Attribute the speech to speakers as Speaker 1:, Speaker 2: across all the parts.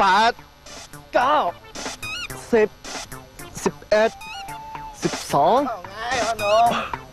Speaker 1: 8 9 10 11 12
Speaker 2: ไงพ่อหนุ่ม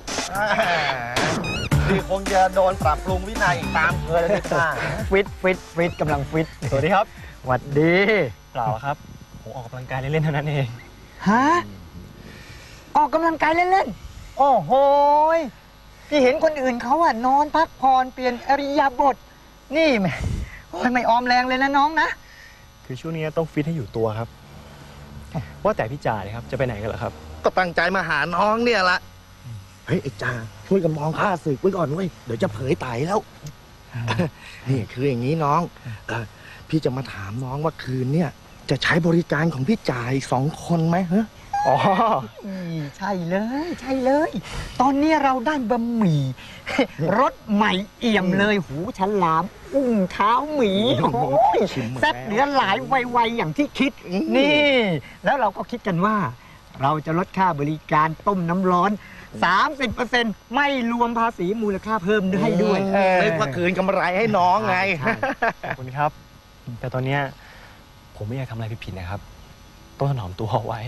Speaker 2: พี่คงจะโดนปรับปรุงวินัยอีกตามเคยเลยค่ะ
Speaker 3: ฟิตกำลังฟิต
Speaker 4: สวัสดีครับ
Speaker 3: หวัดดี
Speaker 4: เปล่าครับผมออกกำลังกายเล่นๆเท่านั้นเอง
Speaker 3: ฮะออกกำลังกายเล่นๆโอ้โหพี่เห็นคนอื่นเขาอะนอนพักผ่อนเปลี่ยนอริยาบถนี่แม่โอ้ยไม่ออมแรงเลยนะน้องนะ
Speaker 4: คือช่วงนี้ต้องฟิตให้อยู่ตัวครับว่าแต่พี่จ่าเลยครับจะไปไหนกันเหรอครับ
Speaker 2: ก็ตั้งใจมาหาน้องเนี่ยละเฮ้ยไอ้จ่าช่วยกันมองข้าศึกไว้ก่อนเว้ยเดี๋ยวจะเผยไตแล้วนี่คืออย่างนี้น้องพี่จะมาถามน้องว่าคืนเนี่ยจะใช้บริการของพี่จ่าอีก2 คนไหมฮะ
Speaker 3: อ๋อใช่เลยตอนนี้เราได้บะหมี่รสใหม่เอี่ยมเลยหูฉลามอุ้งเท้าหมีแซ่บเหลือหลายไวๆอย่างที่คิดนี่แล้วเราก็คิดกันว่าเราจะลดค่าบริการต้มน้ำร้อน 30% ไม่รวมภาษีมูลค่าเพิ่มให้ด้วย
Speaker 2: เรียกว่าคืนกำไรให้น้องไง
Speaker 4: ขอบคุณครับแต่ตอนนี้ผมไม่อยากทำอะไรผิดๆนะครับต้องถนอมตัวเอาไว้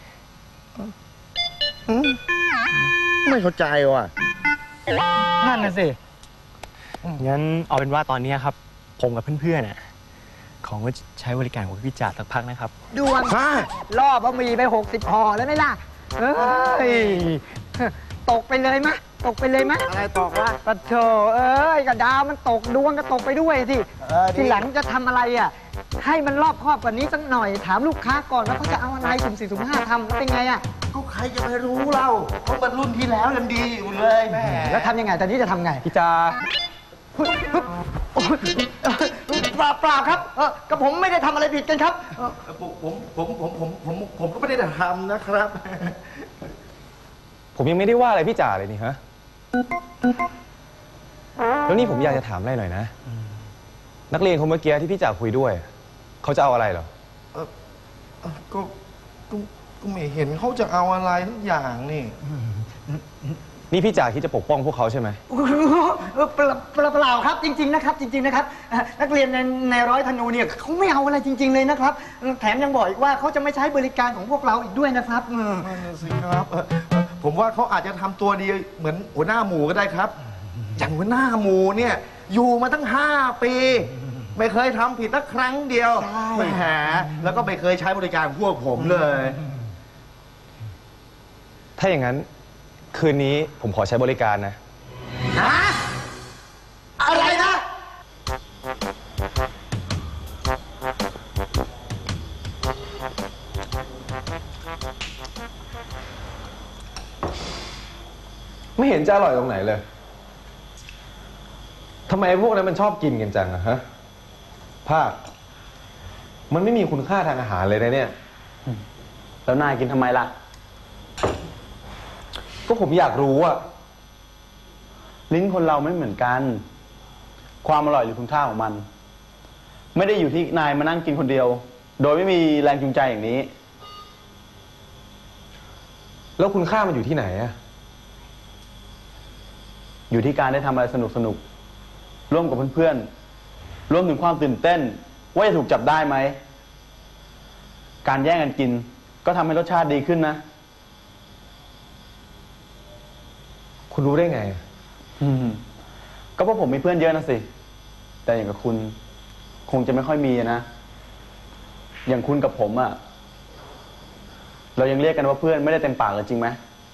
Speaker 2: ไม่เข้าใจว่ะ
Speaker 3: นั่นน่ะสิ
Speaker 4: งั้นเอาเป็นว่าตอนนี้ครับผมกับเพื่อนๆน่ะของว่าใช้บริการของพี่จ่าสักพักนะครับ
Speaker 3: ดวงล่อบะหมี่ไป60 ห่อแล้วไหมล่ะเอ้ยตกไปเลยมะ
Speaker 2: อะไรตกวะ
Speaker 3: ปะโถเอ้ยกระดาวมันตกดวงก็ตกไปด้วยสิทีหลังจะทำอะไรอ่ะให้มันรอบคอบกว่านี้สักหน่อยถามลูกค้าก่อนว่าเขาจะเอาอะไรสุ่ม4สุ่ม5ทำเป็นไงอ่ะ
Speaker 2: เขาใครจะไปรู้เราเขาเป็นรุ่นที่แล้วยังดีอยู่เลยแม่
Speaker 3: แล้วทำยังไงตอนนี้จะทำไง
Speaker 4: พี่จ่า
Speaker 3: เปล่าครับกับผมไม่ได้ทำอะไรผิดกันครับ
Speaker 2: ผมก็ไม่ได้ทำนะครับ
Speaker 4: ผมยังไม่ได้ว่าอะไรพี่จ่าเลยนี่ฮะแล้วนี่ผมอยากจะถามอะไรหน่อยนะนักเรียนคนเมื่อกี้ที่พี่จ่าคุยด้วยเขาจะเอาอะไรเหรอ
Speaker 2: ก็ไม่เห็นเขาจะเอาอะไรทุกอย่าง
Speaker 4: นี่พี่จ่าคิดจะปกป้องพวกเขาใช่ไหม
Speaker 3: เปล่าครับจริงๆนะครับนักเรียนในร้อยธนูเนี่ยเขาไม่เอาอะไรจริงๆเลยนะครับแถมยังบอกอีกว่าเขาจะไม่ใช้บริการของพวกเราอีกด้วยนะครับ
Speaker 2: นั่นสิครับผมว่าเขาอาจจะทำตัวดีเหมือนหัวหน้าหมู่ก็ได้ครับอย่างหัวหน้าหมู่เนี่ยอยู่มาตั้ง5 ปีไม่เคยทำผิดสักครั้งเดียวแหมแล้วก็ไม่เคยใช้บริการพวกผมเลย
Speaker 4: ถ้าอย่างนั้นคืนนี้ผมขอใช้บริการนะ
Speaker 3: อะไรนะ
Speaker 4: ไม่เห็นจะอร่อยตรงไหนเลยทำไมพวกนั้นมันชอบกินกันจังอะฮะภาคมันไม่มีคุณค่าทางอาหารเลยนะเนี่ยแล้วนายกินทำไมล่ะก็ผมอยากรู้อะลิ้นคนเราไม่เหมือนกันความอร่อยหรือคุณค่าของมันไม่ได้อยู่ที่นายมานั่งกินคนเดียวโดยไม่มีแรงจูงใจอย่างนี้แล้วคุณค่ามันอยู่ที่ไหนอะอยู่ที่การได้ทำอะไรสนุกร่วมกับเพื่อนๆรวมถึงความตื่นเต้นว่าจะถูกจับได้ไหมการแย่งกันกินก็ทำให้รสชาติดีขึ้นนะคุณรู้ได้ไงก็เพราะผมมีเพื่อนเยอะนะสิแต่อย่างกับคุณคงจะไม่ค่อยมีนะอย่างคุณกับผมอะเรายังเรียกกันว่าเพื่อนไม่ได้เต็มปากเลยจริงไหม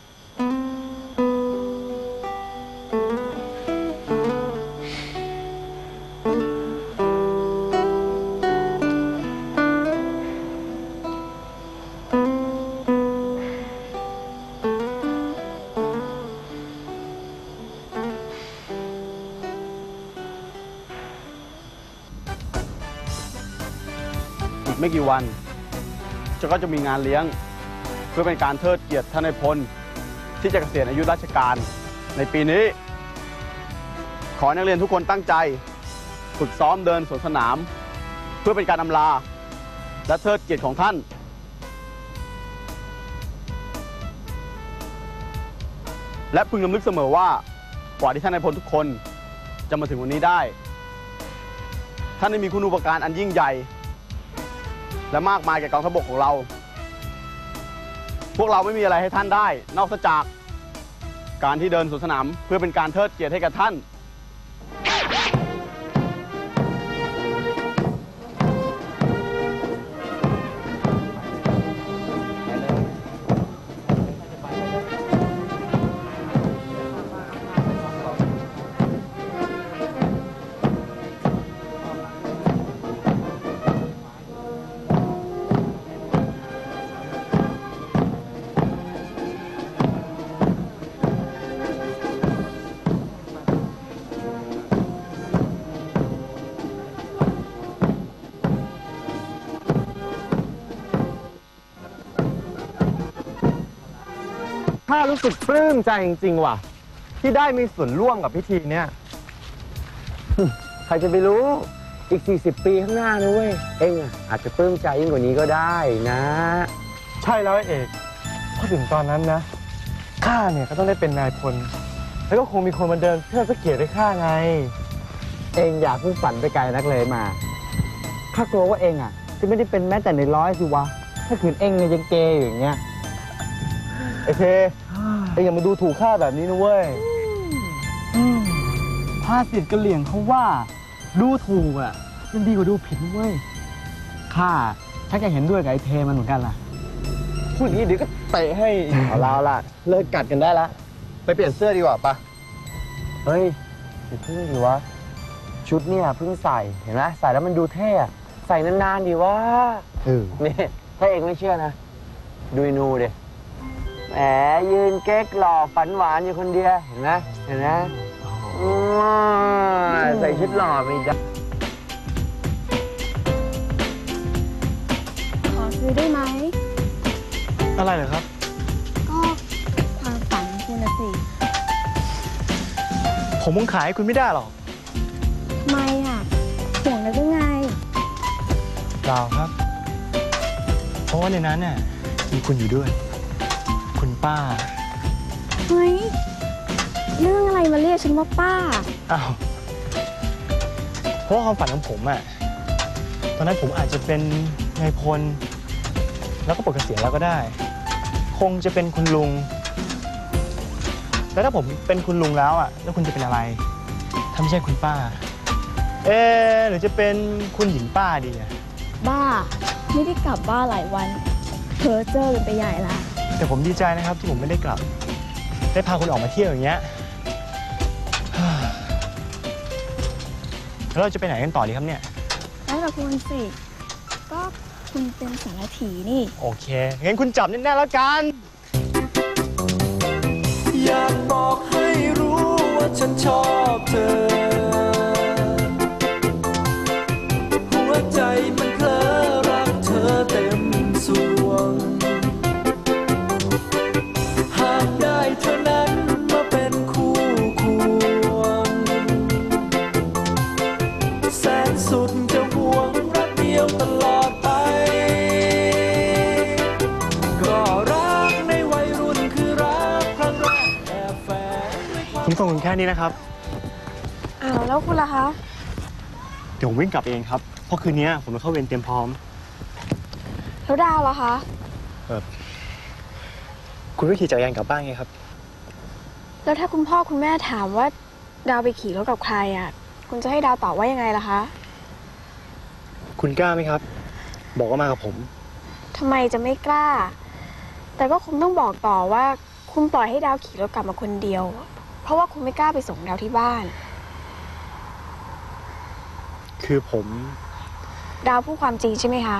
Speaker 5: ไม่กี่วันก็จะมีงานเลี้ยงเพื่อเป็นการเทิดเกียรติท่านนายพลที่จะเกษียณอายุราชการในปีนี้ขอนักเรียนทุกคนตั้งใจฝึกซ้อมเดินสวนสนามเพื่อเป็นการอำลาและเทิดเกียรติของท่านและพึงระลึกเสมอว่ากว่าที่ท่านนายพลทุกคนจะมาถึงวันนี้ได้ท่านได้มีคุณูปการอันยิ่งใหญ่และมากมายแก่กองทัพบกของเรา พวกเราไม่มีอะไรให้ท่านได้ นอกจากการที่เดินสวนสนามเพื่อเป็นการเทิดเกียรติให้กับท่าน
Speaker 1: ข้ารู้สึกปลื้มใจจริงๆว่ะ ที่ได้มีส่วนร่วมกับพิธีเนี้ย
Speaker 6: ใครจะไปรู้อีก 40 ปีข้างหน้านะเว้ย เองอะอาจจะปลื้มใจยิ่งกว่านี้ก็ได้นะ
Speaker 1: ใช่แล้วไอ้เอกพอถึงตอนนั้นนะข้าเนี่ยก็ต้องได้เป็นนายพล แล้วก็คงมีคนมาเดินเพื่อเกียรติให้ข้าไง
Speaker 6: เองอย่าเพิ่งฝันไปไกลนักเลยมาข้ากลัวว่าเองอะจะไม่ได้เป็นแม้แต่ในร้อยสิวะ ถ้าขืนเองเนี่ยยังเกยอยู่อย่างเงี้ย
Speaker 1: ไอ้เคเอ็งอย่ามาดูถูกข้าแบบนี้นะเว้ย
Speaker 3: ภาษิตกะเหลี่ยงเขาว่า ดูถูกอ่ะยังดีกว่าดูผิดนะเว้ยข้าถ้าแกเห็นด้วยกับไอ้เทมันเหมือนกันล่ะ
Speaker 1: พูดอย่างนี้เดี๋ยวก็เตะให้ เอาละล่ะ เลิกกัดกันได้ละ ไปเปลี่ยนเสื้อดีกว่าปะ
Speaker 6: เฮ้ยอย่าเพิ่งดิวะ ชุดเนี่ยเพิ่งใส่เห็นไหมใส่แล้วมันดูเท่อะใส่นานๆดีวะนี่ถ้าเองไม่เชื่อนะ ดูนูดิแหมยืนเก๊กหล่อฝันหวานอยู่คนเดียวเห็นไหมเห็นไหมใส่ชุดหล่อไม่ได้
Speaker 7: ขอซื้อได้ไหม
Speaker 1: อะไรเหรอครับ
Speaker 7: ก็ความฝันของคุณนะสิ
Speaker 1: ผมคงขายให้คุณไม่ได้หรอก
Speaker 7: ทำไมอ่ะห่วงแล้วหรือไง
Speaker 1: เปล่าครับ เพราะว่าในนั้นน่ะมีคุณอยู่ด้วย คุณป้า
Speaker 7: เฮ้ย เรื่องอะไรมาเรียกฉันว่าป้า
Speaker 1: อ้าว เพราะว่าความฝันของผมอะตอนนั้นผมอาจจะเป็นนายพล แล้วก็ปลดเกษียณแล้วก็ได้ คงจะเป็นคุณลุง แล้วถ้าผมเป็นคุณลุงแล้วอะแล้วคุณจะเป็นอะไร ถ้าไม่ใช่คุณป้า หรือจะเป็นคุณหญิงป้าดีอะ
Speaker 7: บ้า ไม่ได้กลับบ้านหลายวันเพ้อเจ้อกันไปใหญ่ละ
Speaker 1: แต่ผมดีใจนะครับที่ผมไม่ได้กลับ ได้พาคุณออกมาเที่ยวอย่างเงี้ย แล้วเราจะไปไหนกันต่อดีครับเนี่ย
Speaker 7: แล้วแต่คุณสิ ก็คุณเป็นสารถีนี่
Speaker 1: โอเค งั้นคุณจับแน่ๆแล้วกัน
Speaker 8: อยากบอกให้รู้ว่าฉันชอบเธอ หัวใจมันเพลอรักเธอเต็มสวง หากได้เธอนั้นมาเป็นคู่ควง แสนสุดจะห่วงรักเดียวตลอดไป ก็รักในวัยรุ่นคือรักครั้งแรกแอบแฝงด้วยความ
Speaker 1: ผมส่งคุณแค่นี้นะครับ
Speaker 7: อ้าวแล้วคุณล่ะคะ
Speaker 1: เดี๋ยวผมวิ่งกลับเองครับ เพราะคืนนี้ผมจะเข้าเวรเตรียมพร้อม
Speaker 7: แล้วดาวล่ะคะ
Speaker 1: คุณก็ขี่จักรยานกลับบ้านไงครับ
Speaker 7: แล้วถ้าคุณพ่อคุณแม่ถามว่าดาวไปขี่รถกับใครอ่ะ คุณจะให้ดาวตอบว่ายังไงล่ะคะ
Speaker 1: คุณกล้าไหมครับ บอกว่ามากับผม
Speaker 7: ทำไมจะไม่กล้า แต่ก็คงต้องบอกต่อว่า คุณปล่อยให้ดาวขี่รถกลับมาคนเดียว เพราะว่าคุณไม่กล้าไปส่งดาวที่บ้าน
Speaker 1: คือผม
Speaker 7: ดาวพูดความจริงใช่ไหมคะ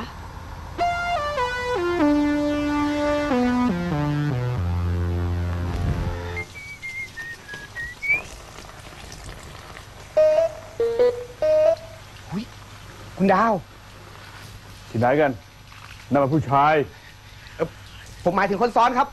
Speaker 2: คุณดาว
Speaker 5: ที่ไหนกันนั่นเป็นผู้ชาย
Speaker 2: ผมหมายถึงคนซ้อนครับ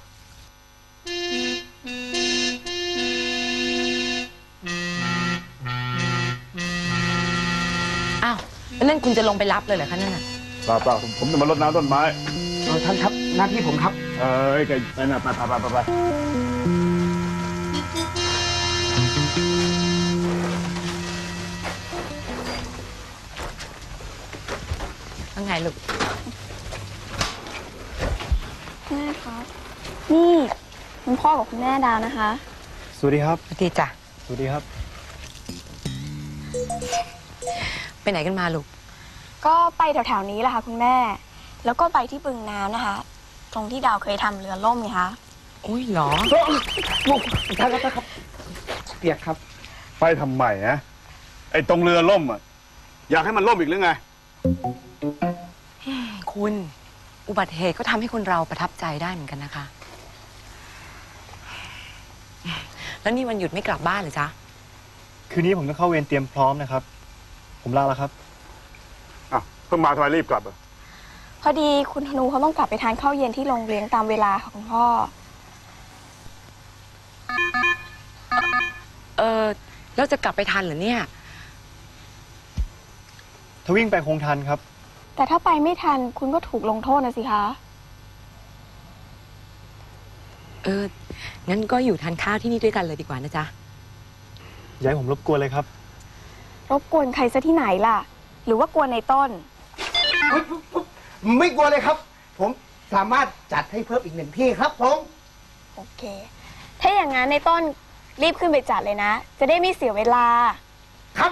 Speaker 9: อ้าวแล้วนั่นคุณจะลงไปรับเลยเหรอคะนั่นน่ะ
Speaker 5: เปล่าผมจะมารดน้ำต้นไม้
Speaker 2: ท่านครับ หน้าที่ผมครับ
Speaker 5: แกไปนะไป
Speaker 9: ว่าไงลูก
Speaker 7: แม่ครับ นี่คุณพ่อกับคุณแม่ดาวนะคะ
Speaker 1: สวัสดีครับ
Speaker 9: สวัสดีจ้ะ
Speaker 1: สวัสดีครับ
Speaker 9: ไปไหนกันมาลูก
Speaker 7: ก็ไปแถวๆนี้แหละค่ะคุณแม่ แล้วก็ไปที่บึงน้ำนะคะ ตรงที่ดาวเคยทำเรือล่มไงคะ
Speaker 9: อุ้ยเหรอ
Speaker 3: เปียกครับ
Speaker 5: ไปทำไมนะไอ้ตรงเรือล่มอ่ะ อยากให้มันล่มอีกหรือไง
Speaker 9: คุณ อุบัติเหตุก็ทำให้คนเราประทับใจได้เหมือนกันนะคะ แล้วนี่วันหยุดไม่กลับบ้านเหรอจ๊ะ
Speaker 1: คืนนี้ผมต้องเข้าเวรเตรียมพร้อมนะครับ ผมลาแล้วครับ
Speaker 5: อ้าวเพิ่งมาทำไมรีบกลับอ่ะ
Speaker 7: พอดีคุณธนูเขาต้องกลับไปทานข้าวเย็นที่โรงเรียนตามเวลาค่ะคุณพ่อ
Speaker 9: แล้วจะกลับไปทันเหรอเนี่ย
Speaker 1: ถ้าวิ่งไปคงทันครับ
Speaker 7: แต่ถ้าไปไม่ทันคุณก็ถูกลงโทษนะสิคะ
Speaker 9: งั้นก็อยู่ทานข้าวที่นี่ด้วยกันเลยดีกว่านะจ๊ะ
Speaker 1: อย่าให้ผมรบกวนเลยครับ
Speaker 7: รบกวนใครซะที่ไหนล่ะ หรือว่ากวนในต้น
Speaker 2: ไม่กลัวเลยครับ ผมสามารถจัดให้เพิ่มอีก1 ที่ครับผม
Speaker 7: โอเค ถ้าอย่างนั้นในต้นรีบขึ้นไปจัดเลยนะ จะได้ไม่เสียเวลา
Speaker 2: ครับ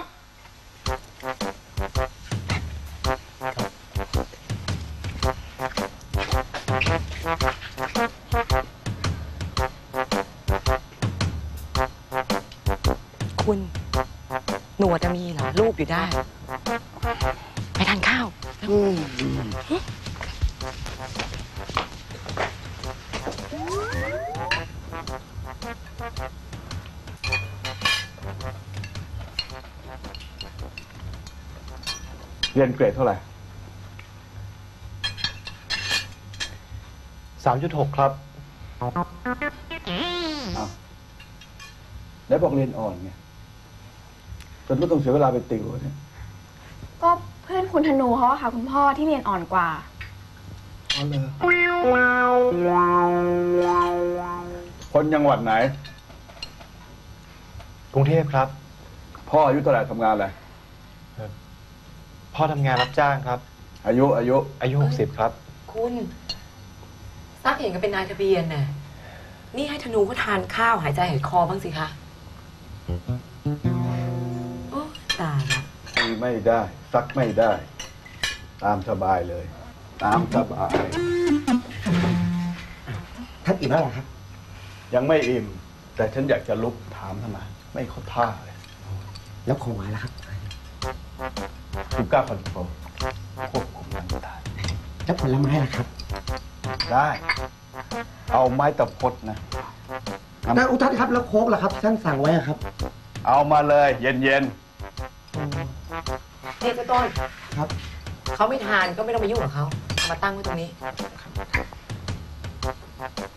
Speaker 9: คุณ หนวดจะมีเหรอ รูปอยู่ได้ ไปทานข้าว
Speaker 5: เรียนเกรดเท่าไหร่
Speaker 1: 3.6 ครับ
Speaker 5: แล้วบอกเรียนอ่อนไงจนก็ต้องเสียเวลาไปติวเนี่ย
Speaker 7: ก็เพื่อนคุณธนูเขาอะค่ะ คุณพ่อที่เรียนอ่อนกว่า
Speaker 5: อ๋อเลยคนจังหวัดไหน
Speaker 1: กรุงเทพครับ
Speaker 5: พ่ออายุเท่าไหร่ทำงานอะไร
Speaker 1: พ่อทำงานรับจ้างครับ
Speaker 5: อายุ
Speaker 1: 60 ครับ
Speaker 9: คุณซักเห็นก็เป็นนายทะเบียนน่ะ นี่ให้ธนูเขาทานข้าวหายใจหายคอบ้างสิคะ โอ้ตายละ
Speaker 5: ตีไม่ได้ซักไม่ได้ ตามสบายเลย ตามสบาย
Speaker 2: ท่านอิ่มแล้วเหรอครับ
Speaker 5: ยังไม่อิ่ม แต่ฉันอยากจะลุกถามทำไมไม่เข้าท่าเลย
Speaker 2: แล้วของหวานล่ะครับ
Speaker 5: ชูก้าคอนโทรลควบคุมร่างกาย
Speaker 2: แล้วผลไม้ล่ะครับ
Speaker 5: ได้ เอาไม้ตะพดนะ
Speaker 2: แต่อุทัศน์ครับ แล้วโค้กล่ะครับท่านสั่งไว้อะครับ
Speaker 5: เอามาเลยเย็น
Speaker 9: เนี่ยเจ้าต้น
Speaker 2: ครับ
Speaker 9: เขาไม่ทานก็ไม่ต้องไปยุ่งกับเขาเอามาตั้งไว้ตรงนี้